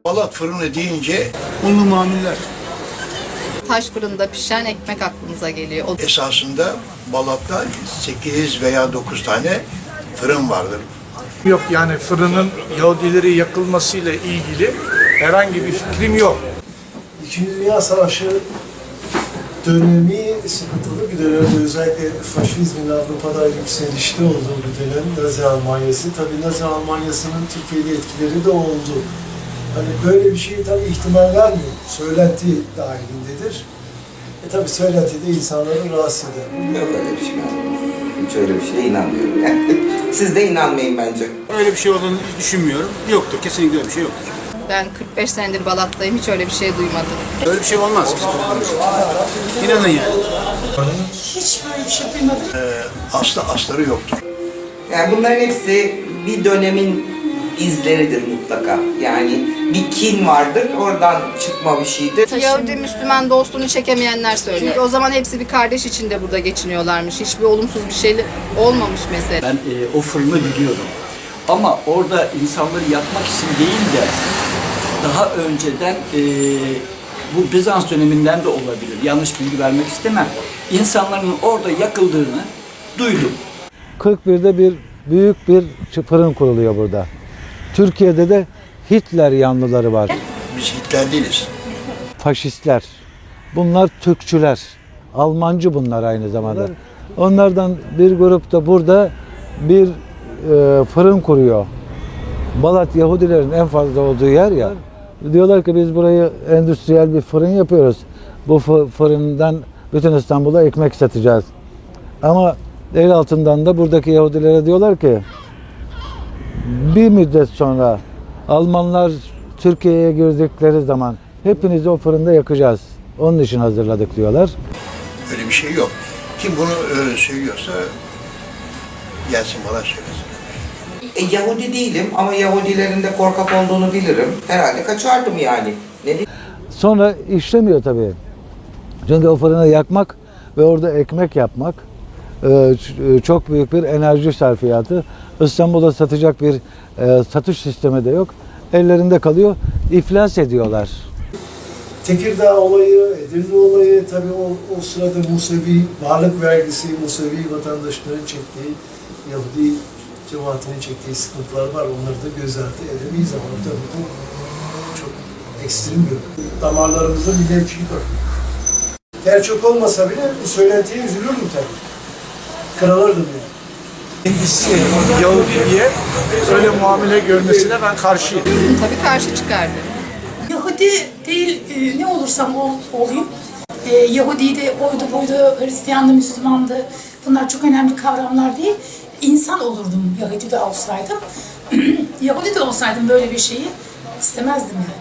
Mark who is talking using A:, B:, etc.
A: Balat fırını deyince
B: Unlu mamuller.
C: Taş fırında pişen ekmek aklımıza geliyor.
A: esasında Balat'ta 8 veya 9 tane fırın vardır.
B: Yok yani fırının Yahudileri yakılmasıyla ilgili herhangi bir fikrim yok.
D: İkinci Dünya Savaşı dönemi sıkıntılı bir dönemdi. Özellikle faşizmin Avrupa'da yükselişte olduğu bir dönem Nazi Almanyası. Tabii Nazi Almanyası'nın Türkiye'de etkileri de oldu. Hani böyle bir şey tabii ihtimal vermiyor. Söylenti dahilindedir. Tabii söylenti de insanları rahatsız eder.
E: Yok öyle bir şey. Hiç öyle bir şeye inanmıyorum yani. Siz de inanmayın bence.
F: Öyle bir şey olduğunu düşünmüyorum. Yoktur. Kesinlikle öyle bir şey yoktur.
C: Ben 45 senedir Balat'tayım. Hiç öyle bir şey duymadım.
F: Öyle bir şey olmaz. İnanın yani.
G: Hiç böyle bir şey duymadım.
A: Asları yoktur.
E: Yani bunların hepsi bir dönemin izleridir mutlaka. Yani bir kin vardır, oradan çıkma bir şeydir.
C: Yahudi Müslüman dostluğunu çekemeyenler söylüyor. Çünkü o zaman hepsi bir kardeş içinde burada geçiniyorlarmış. Hiçbir olumsuz bir şey olmamış mesela.
H: Ben o fırını biliyorum. Ama orada insanları yakmak için değil de daha önceden bu Bizans döneminden de olabilir. Yanlış bilgi vermek istemem. İnsanların orada yakıldığını duydum.
I: 41'de büyük bir fırın kuruluyor burada. Türkiye'de de Hitler yanlıları var.
A: Biz Hitler değiliz.
I: Faşistler. Bunlar Türkçüler. Almancı bunlar aynı zamanda. Onlardan bir grup da burada bir fırın kuruyor. Balat Yahudilerin en fazla olduğu yer ya. Diyorlar ki biz burayı endüstriyel bir fırın yapıyoruz. Bu fırından bütün İstanbul'a ekmek satacağız. Ama el altından da buradaki Yahudilere diyorlar ki bir müddet sonra Almanlar Türkiye'ye girdikleri zaman hepinizi o fırında yakacağız. Onun için hazırladık diyorlar.
A: Öyle bir şey yok. Kim bunu söylüyorsa gelsin bana söylesin.
E: Yahudi değilim ama Yahudilerin de korkak olduğunu bilirim. Herhalde kaçardım yani. Ne diyeyim?
I: Sonra işlemiyor tabii. Çünkü o fırını yakmak ve orada ekmek yapmak çok büyük bir enerji sarfiyatı. İstanbul'da satacak bir satış sistemi de yok. Ellerinde kalıyor, iflas ediyorlar.
D: Tekirdağ olayı, Edirne olayı, tabii o sırada Musevi varlık vergisi, Musevi vatandaşların çektiği, Yahudi cemaatinin çektiği sıkıntılar var. Onları da göz ardı edemeyiz ama tabii bu çok ekstrem bir damarlarımızda bir nevçilik var. Gerçek olmasa bile bu söylentiye üzülürdüm tabii. Kırılırdım yani.
B: Kendisi Yahudi'ye öyle muamele görmesine ben karşıyım.
C: Tabii karşı çıkardı.
G: Yahudi değil, ne olursam olayım. Yahudi de oydu buydu, Hristiyandı, Müslümandı. Bunlar çok önemli kavramlar değil. İnsan olurdum Yahudi de olsaydım. Yahudi de olsaydım böyle bir şeyi istemezdim yani.